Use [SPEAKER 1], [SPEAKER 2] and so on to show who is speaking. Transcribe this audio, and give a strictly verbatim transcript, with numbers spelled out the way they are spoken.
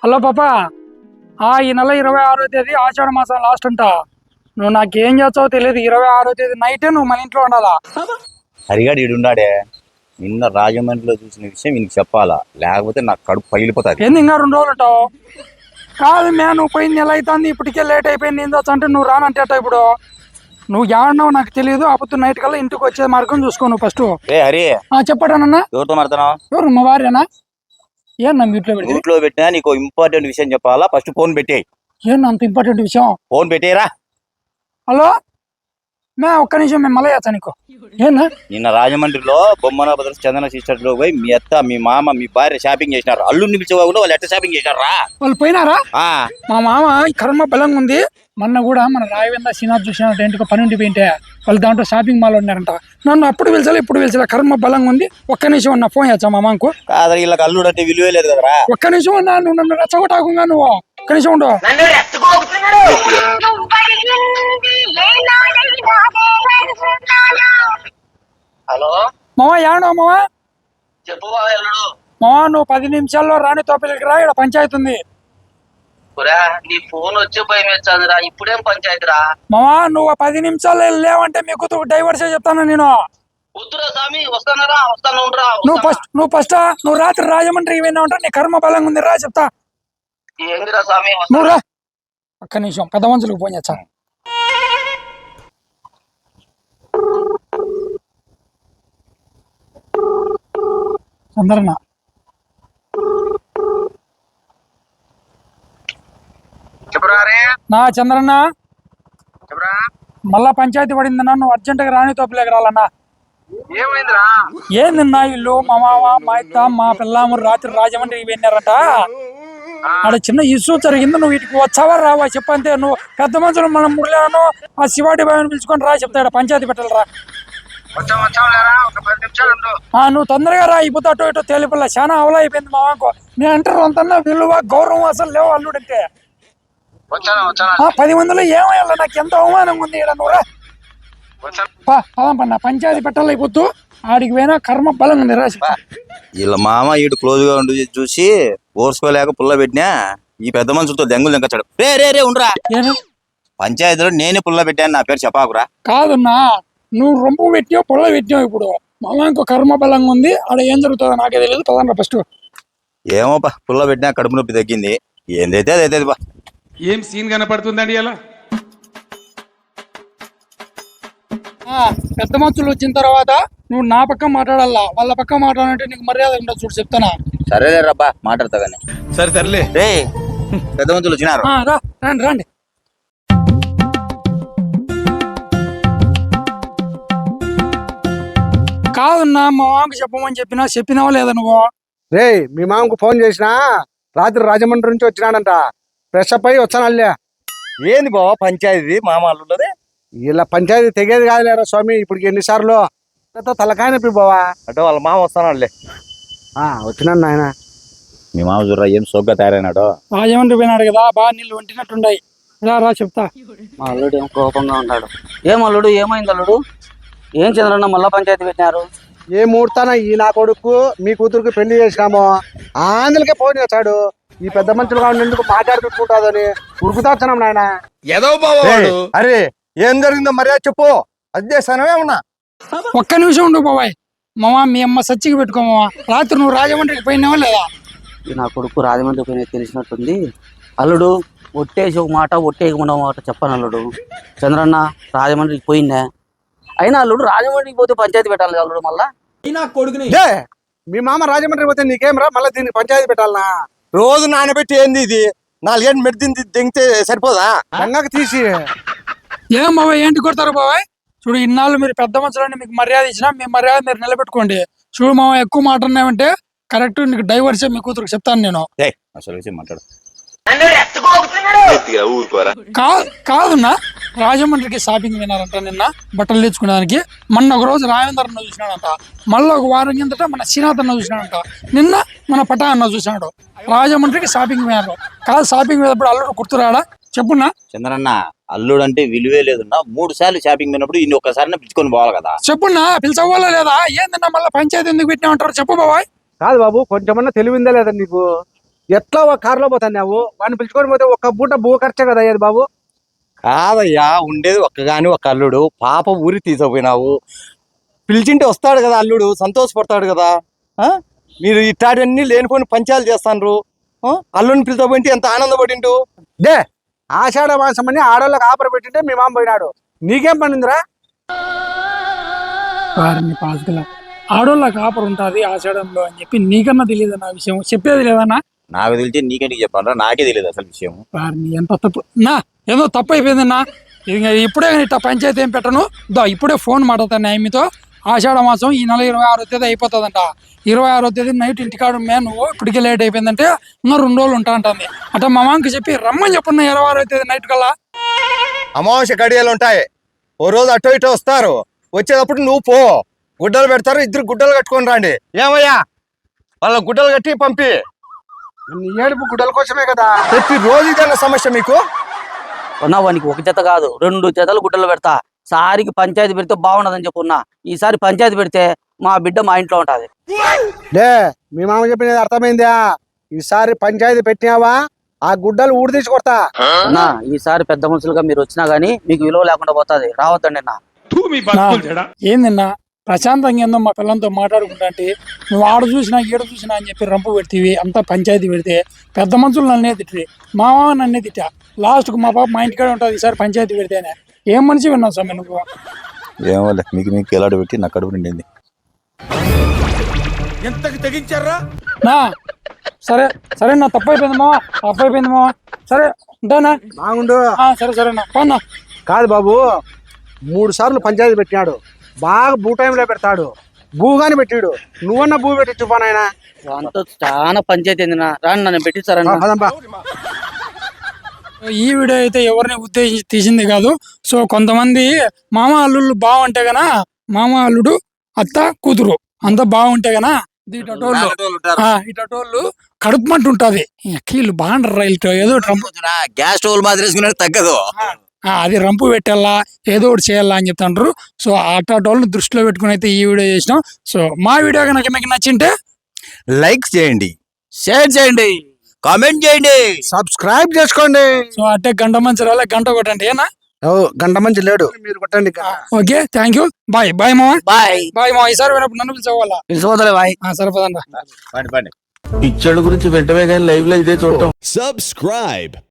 [SPEAKER 1] Hello పాపా, ఆ ఈ నెల ఇరవై ఆరో తేదీ ఆషాఢ మాసం లాస్ట్ అంట. నువ్వు నాకేం చేస్తావో తెలియదు. ఇరవై ఆరో తేదీ నైటే నువ్వు మన ఇంట్లో ఉండాలా.
[SPEAKER 2] హరిగాడు ఈడున్నాడే, నిన్న రాజమండ్రిలో చూసిన విషయం ఇంక చెప్పాలా, లేకపోతే నాకు కడుపు పగిలిపోతుంది.
[SPEAKER 1] ఏంది ఇంకా రెండు రోజులు ఉంటావు? కాదు మే, నువ్వు పోయింది నెల అవుతుంది, ఇప్పటికే లేట్ అయిపోయింది. ఏం చేస్తా అంటే నువ్వు రానంటే ఇప్పుడు నువ్వు ఏమన్నావు నాకు తెలియదు. అప్పుడు నైట్ కల్లా ఇంటికి వచ్చే మార్గం చూసుకో నువ్వు ఫస్ట్.
[SPEAKER 2] ఏ హరి,
[SPEAKER 1] చెప్పాడనన్నా?
[SPEAKER 2] ఎవరితో మాట్లాడుతున్నావు?
[SPEAKER 1] ఎవరు? మా భార్యనా? ఏం నా మ్యూట్లో పెట్టి
[SPEAKER 2] మ్యూట్లో పెట్టినా నీకు ఇంపార్టెంట్ విషయం చెప్పాలా, ఫస్ట్ ఫోన్ పెట్టేయి.
[SPEAKER 1] ఏం అంత ఇంపార్టెంట్ విషయం?
[SPEAKER 2] ఫోన్ పెట్టేయరా.
[SPEAKER 1] హలో మే, ఒక్క నిమిషం, మేము మళ్ళీ చేస్తా నీకు. ఏనా?
[SPEAKER 2] నిన్న రాజమండ్రిలో బొమ్మన బ్రదర్స్ చందన సిస్టర్స్ లో పోయి మీ అత్త, మీ మామ, మీ భార్య షాపింగ్ చేసినారు. అల్లుడిని పిలిచేవాళ్ళు వాళ్ళు ఎట్ట షాపింగ్ చేసినారా?
[SPEAKER 1] వాళ్ళు పోయినారా? మా మామ ఈ కర్మ బలంగా ఉంది. మొన్న కూడా మన రాయవేంద్ర శ్రీనాథ్ చూసినట్టు ఇంటికి పని ఉండి పోయింటే వాళ్ళు దాంట్లో షాపింగ్ మాల్ ఉన్నారంట. నన్ను అప్పుడు పిలిచాలి, ఇప్పుడు పిలిచాలి. కర్మ బలంగా ఉంది. ఒక్క నిమిషం ఉన్నా, ఫోన్ చేచ్చా మా మామకు.
[SPEAKER 2] కాదు, వీళ్ళకి అల్లుడు అంటే విలువే లేదు కదరా.
[SPEAKER 1] ఒక్క నిమిషం ఉన్నా, నువ్వు నన్ను రెచ్చగొట్టాకుండా నువ్వు ఒక్క నిమిషం ఉండు.
[SPEAKER 3] హలో
[SPEAKER 1] మామ, ఏడో మామ?
[SPEAKER 3] చెప్పు
[SPEAKER 1] మామ, నువ్వు పది నిమిషాల్లో రాణి తోపిలికి రా, ఇక్కడ పంచాయతీ ఉంది.
[SPEAKER 3] నీ ఫోన్ వచ్చే భయం వేస్తుందిరా. ఇప్పుడేం పంచాయతీ రా
[SPEAKER 1] మామ. నువ్వు పది నిమిషాలు లేవంటే మీకు డైవర్స్ చెప్తాను నేను.
[SPEAKER 3] వద్దురా స్వామి, వస్తానరా, వస్తాను.
[SPEAKER 1] నువ్వు ఫస్ట్ నువ్వు ఫస్ట్ నువ్వు రాత్రి రాజమండ్రికి పోయినా ఉంటా. నీ కర్మ బలంగా ఉంది, రా చెప్తా.
[SPEAKER 3] ఏందిరా స్వామి?
[SPEAKER 1] నువ్వు రా. ఒక్క నిమిషం, పెద్ద మనుషులకు ఫోన్ చేస్తా. చంద్రన్న,
[SPEAKER 3] చెప్పురా.
[SPEAKER 1] నా చంద్రన్న,
[SPEAKER 3] చెప్పురా.
[SPEAKER 1] మళ్ళా పంచాయతీ పడిందన్నా. నువ్వు అర్జెంటుగా రాణి తోపులేక రాలన్నా.
[SPEAKER 3] ఏమైందిరా?
[SPEAKER 1] ఏందన్నా, ఇల్లు మా మామ, మా అత్త, మా పిల్లము రాత్రి రాజమండ్రికి వెళ్ళారట. ఆడ చిన్న ఇష్యూ జరిగింది. నువ్వు వీటికి వచ్చావా రావా చెప్పంతే. నువ్వు పెద్ద మనుషులు మనం మురళాను ఆ శివాడి బాబుని పిలుచుకొని రా చెప్తాడు. పంచాయతీ పెట్టాలరా. నువ్వు తొందరగా రా. ఇప్పుడు అటు ఇటు తేలిపల్ల చాలా అవలా అయిపోయింది మా మామకు. నేను అంటారు అంతన్నా విలువ గౌరవం అసలు లేవు అల్లుడంటే. పది మందిలో ఏమయ్యాల, నాకు ఎంత అవమానంగా ఉంది. ఇక్కడ నువ్వు రా. పదం పన్న పంచాయతీ పెట్టాలి అయిపోతూ. ఆడికి పోయినా కర్మ బలం ఉంది రా.
[SPEAKER 2] వీళ్ళ మామ ఈడు క్లోజ్ గా ఉండి చూసి ఓర్చుకోలేక పుల్ల పెట్టినా ఈ పెద్ద మనుషులతో దెంగులు దెంకచ్చాడు. రే రే రే ఉండరా. పంచాయతీలో నేనే పుల్ల పెట్టాను, నా పేరు చెప్పాకురా.
[SPEAKER 1] కాదన్నా, నువ్వు రొంపు పెట్టావు, పుల్ల పెట్టావు. ఇప్పుడు మామ ఇంకో కర్మ బలంగా ఉంది. ఆడ ఏం జరుగుతుందో నాకే తెలియదు. పదన్నా ఫస్ట్.
[SPEAKER 2] ఏమో బా, పుల్ల పెట్టినా కడుపు నొప్పి తగ్గింది. ఏందైతే అదైతే బా.
[SPEAKER 4] ఏం సీన్ కనపడుతుందండి అలా?
[SPEAKER 1] పెద్ద మనుషులు వచ్చిన తర్వాత నువ్వు నా పక్క మాట్లాడాలా, వాళ్ళ పక్క మాట్లాడాలంటే నీకు మర్యాద ఉండదు. చూడు చెప్తానా.
[SPEAKER 2] సరేలే రబ్బా, మాట్లాడతా గానీ.
[SPEAKER 4] సరే సర్లే.
[SPEAKER 2] రే, పెద్ద మనుషులు వచ్చినారు.
[SPEAKER 1] రా, రండి రండి. కాదన్నా, మా మామకు చెప్పమని చెప్పినా చెప్పినావా లేదా నువ్వు?
[SPEAKER 5] రే, మీ మామకు ఫోన్ చేసినా రాత్రి రాజమండ్రి నుంచి వచ్చినాడంట. ఫ్రెష్ అప్ అయ్యి వచ్చాను. అల్లే
[SPEAKER 2] ఏంది బావ పంచాయతీ మామ అల్లుడే?
[SPEAKER 5] ఇలా పంచాయతీ తెగేది కాదులేరా స్వామి. ఇప్పుడు ఎన్నిసార్లు తలకాయ నొప్పి బావా.
[SPEAKER 2] అంటే వాళ్ళ మామ వస్తానాడులే.
[SPEAKER 5] వచ్చినాను నాయన.
[SPEAKER 2] మీ మామ చూడరా ఏం సోగ్గా తయారైనాడు.
[SPEAKER 1] రాజమండ్రి పోయినాడు కదా, బాగా నీళ్ళు వంటినట్టుండాయి. రా రా చెప్తా.
[SPEAKER 3] మా అల్లుడు ఏం కోపంగా ఉన్నాడు. ఏం అల్లుడు, ఏమైంది అల్లుడు? ఏం చంద్రన్న మళ్ళా పంచాయతీ పెట్టినారు?
[SPEAKER 5] ఏ ముహూర్తాన ఈ నా కొడుకు మీ కూతురుకి పెళ్లి చేసినాము. ఆంధ్రకే ఫోన్ చేశాడు. ఈ పెద్ద మనుషులుగా ఉండేందుకు మాట్లాడుకుంటుందని ఉరుకుతాస్తున్నాం నాయన.
[SPEAKER 6] అరే, ఏం జరిగిందో మర్యాద చెప్పు. అది చేస్తానమే ఉన్నా.
[SPEAKER 1] ఒక్క నిమిషం ఉండు బాబాయ్. మామ, మీ అమ్మ సచ్చికి పెట్టుకోమా. రాత్రి నువ్వు రాజమండ్రికి పోయినావా లేదా?
[SPEAKER 3] నా కొడుకు రాజమండ్రి పోయినా తెలిసినట్టుంది. అల్లుడు ఒట్టేసి ఒక మాట, ఒట్టేయకుండా మాట చెప్పను అల్లుడు. చంద్రన్న రాజమండ్రికి పోయిందా? అయినా అల్లుడు రాజమండ్రికి పోతే పంచాయతీ పెట్టాలి అల్లుడు మళ్ళా.
[SPEAKER 5] మీ మామ రాజమండ్రి పోతే నీకేం రా, మళ్ళీ దీనికి పంచాయతీ పెట్టాలనా?
[SPEAKER 6] రోజు నానబెట్టి ఏంది ఇది? నాలుగేళ్ళు మెడిదిని దింగితే సరిపోదా?
[SPEAKER 5] గంగకు తీసి
[SPEAKER 1] ఏం బాబాయ్, ఏంటి కొడతారు బాబాయ్? చూడు, ఇన్నాళ్ళు మీరు పెద్ద మనుషులని మీకు మర్యాద ఇచ్చినా మీ మర్యాద మీరు నిలబెట్టుకోండి. చూడు మామ, ఎక్కువ మాట్లాడినామంటే కరెక్ట్ నీకు డైవర్సే మీ కూతురుకు చెప్తాను నేను.
[SPEAKER 2] మాట్లాడు.
[SPEAKER 1] కాదున్నా, రాజమండ్రికి షాపింగ్ వినారంట. నిన్న బట్టలు తెచ్చుకునేదానికి. మొన్న ఒక రోజు రాజేంద్ర అన్న చూసినాడంట. మళ్ళీ ఒక వారం కిందట మన శ్రీనాథ్ అన్న చూసినాడంట. నిన్న మన పటా అన్న చూసినాడు. రాజమండ్రికి షాపింగ్ వినారు. కాదు, షాపింగ్ పోయినప్పుడు అల్లుడు గుర్తురాడా చెప్పున్నా?
[SPEAKER 2] చంద్రన్న, అల్లుడు అంటే విలువే లేదున్నా. మూడు సార్లు షాపింగ్ పోయినప్పుడు ఇన్ని ఒక్కసారి పిలుచుకొని పోవాలి కదా.
[SPEAKER 1] చెప్పున్నా, పిలిచవ్వాలా లేదా? ఏందన్నా మళ్ళీ పంచాయతీ ఎందుకు పెట్టినా అంటారు? చెప్పు బాబాయ్.
[SPEAKER 5] కాదు బాబు, కొంచెమన్నా తెలివిందా లేదా నీకు? ఎట్లా ఒక కారులో పోతున్నావు వాడిని పిలుచుకొని పోతే ఒక పూట భూ ఖర్చే కదా అయ్యేది బాబు.
[SPEAKER 6] కాదయ్యా, ఉండేది ఒక్కగాని ఒక అల్లుడు, పాప ఊరి తీసుకుపోయినావు. పిలిచింటే వస్తాడు కదా అల్లుడు, సంతోషపడతాడు కదా. ఆ? మీరు ఇట్లాంటివన్నీ లేనిపోయిన పంచాలు చేస్తాండ్రు. ఆ? అల్లుడిని పిలుచుకుపోయింటే ఎంత ఆనందపడిండు.
[SPEAKER 5] డే ఆషాఢ మాసం అని ఆడోళ్ళకి ఆపర పెట్టింటే మీ మామ పోయినాడు, నీకేం పనిందిరా?
[SPEAKER 1] వారిని పాసుకల ఆడోళ్ళకి ఆపర్ ఉంటుంది ఆషాఢంలో అని చెప్పి నీకన్నా తెలియదు నా విషయం, చెప్పేది లేదన్నా.
[SPEAKER 2] నాకు తెలిసి నీకేంటి చెప్పాను, నాకే తెలియదు అసలు విషయం.
[SPEAKER 1] వారిని ఎంత తప్పు నా ఏదో తప్పు అయిపోయిందన్నా. ఇంకా ఇప్పుడే ఇట్లా పంచాయతీ ఏం పెట్టను, దా ఇప్పుడే ఫోన్ మాట్లాడతాను ఆమెతో. ఆషాఢ మాసం ఈ నెల ఇరవై ఆరో తేదీ అయిపోతుందంట. ఇరవై ఆరో తేదీ నైట్ ఇంటికాడు మే నువ్వు ఇప్పటికే లేట్ అయిపోయిందంటే ఇంకా రెండు రోజులు ఉంటా అంటుంది. అంటే మా మామకి చెప్పి రమ్మని చెప్పన్న ఇరవై ఆరో తేదీ నైట్ కల్లా.
[SPEAKER 6] అమావాస్య గడియలు ఉంటాయి, ఓ రోజు అటో ఇటో వస్తారు. వచ్చేటప్పుడు నువ్వు పో, గుడ్డలు పెడతారు, ఇద్దరు గుడ్డలు కట్టుకొని రండి. ఏమయ్యా, వాళ్ళ గుడ్డలు కట్టి పంపి.
[SPEAKER 5] నీ ఏడుపు గుడ్డల కోసమే కదా.
[SPEAKER 6] ప్రతి రోజు ఇదన్న సమస్య మీకు.
[SPEAKER 3] ఉన్నా వానికి ఒక జత కాదు రెండు జతలు గుడ్డలు పెడతా. సారికి పంచాయతీ పెడితే బాగుండదని చెప్పున్నా. ఈసారి పంచాయతీ పెడితే మా బిడ్డ మా ఇంట్లో ఉంటది.
[SPEAKER 5] లే మీ మామ చెప్పినది అర్థమైందా? ఈసారి పంచాయతీ పెట్టినావా ఆ గుడ్డలు ఊడి తీసి కొడతా.
[SPEAKER 3] అన్నా ఈసారి పెద్ద మనుషులుగా మీరు వచ్చినా గానీ మీకు విలువ లేకుండా పోతుంది. రావద్దండి అన్న.
[SPEAKER 4] తూ మీ బతుకులు చెడా.
[SPEAKER 1] ఏందన్నా ప్రశాంతంగా ఏందో మా పిల్లలతో మాట్లాడుకుంటా అంటే నువ్వు ఆడ చూసినా ఈడ చూసినా అని చెప్పి రంపు పెడితేవి అంతా పంచాయతీ పెడితే పెద్ద మనుషులు నన్నే తిట్టి మా మామ నన్నే తిట్టా. లాస్ట్కు మా పాప మా ఇంటికాడే ఉంటుంది ఈసారి పంచాయతీ పెడితేనే. ఏం మనిషి విన్నావు స్వామి నువ్వు?
[SPEAKER 2] ఏమో మీకు మీకు ఎలాడ పెట్టి నా కడుపు నిండింది.
[SPEAKER 4] ఎంతకి తెగించారా?
[SPEAKER 1] నా సరే సరే నా తప్పు అయిపోయింది మావా, తప్పు అయిపోయింది మావా. సరే ఉంటానా?
[SPEAKER 5] బాగుండు.
[SPEAKER 1] ఆ, సరే సరేనా పోనా.
[SPEAKER 5] కాదు బాబు, మూడు సార్లు పంచాయతీ పెట్టినాడు, బాగా భూ టైంలో పెడతాడు, భూగాని పెట్టాడు. నువ్వన్నా భూ పెట్టి చూపానాయన.
[SPEAKER 3] అంతా చాలా పంచాయతీ ఏందినా రాని నన్ను పెట్టిస్తారన్న.
[SPEAKER 5] పదంపా.
[SPEAKER 1] ఈ వీడియో అయితే ఎవరిని ఉద్దేశించి తీసింది కాదు. సో కొంతమంది మామ అల్లుళ్ళు బాగుంటే గనా, మామ అల్లుడు అత్త కూతురు అంత బాగుంటే గనా ఇటోళ్ళు ఇటోళ్ళు కడుపు మంట ఉంటది. కీళ్ళు బాగుంటారు ఇటు ఏదో రంపు
[SPEAKER 2] గ్యాస్ స్టవ్ మాదిరి వేసుకున్నట్టు తగ్గదు.
[SPEAKER 1] ఆ, అది రంపు పెట్టాలా ఏదో ఒకటి చేయాలా అని చెప్తాంటారు. సో అటోళ్ళని దృష్టిలో పెట్టుకుని అయితే ఈ వీడియో చేసినాం. సో మా వీడియో కనుక మీకు నచ్చింటే
[SPEAKER 2] లైక్ చేయండి,
[SPEAKER 3] షేర్ చేయండి,
[SPEAKER 2] కామెంట్ చేయండి,
[SPEAKER 5] సబ్స్క్రైబ్ చేసుకోండి.
[SPEAKER 1] సో అంటే గంట మంచి రాలే గంట కొట్టండి ఏనా.
[SPEAKER 5] ఓ గంట మంచి లేడు, మీరు కొట్టండి.
[SPEAKER 1] Okay thank you, bye bye మామ,
[SPEAKER 3] బాయ్
[SPEAKER 1] బాయ్ మామ. ఈసారి వినప్పుడు నన్ను పిలిచేవాళ్ళ
[SPEAKER 3] పిలిచిపోతలే బాయ్.
[SPEAKER 1] సరిపోదండి.
[SPEAKER 2] పండి పండి.
[SPEAKER 7] పిచ్చోళ్ళ గురించి వెంటనే కానీ లైవ్ లో ఇదే చూడటం.
[SPEAKER 8] Subscribe.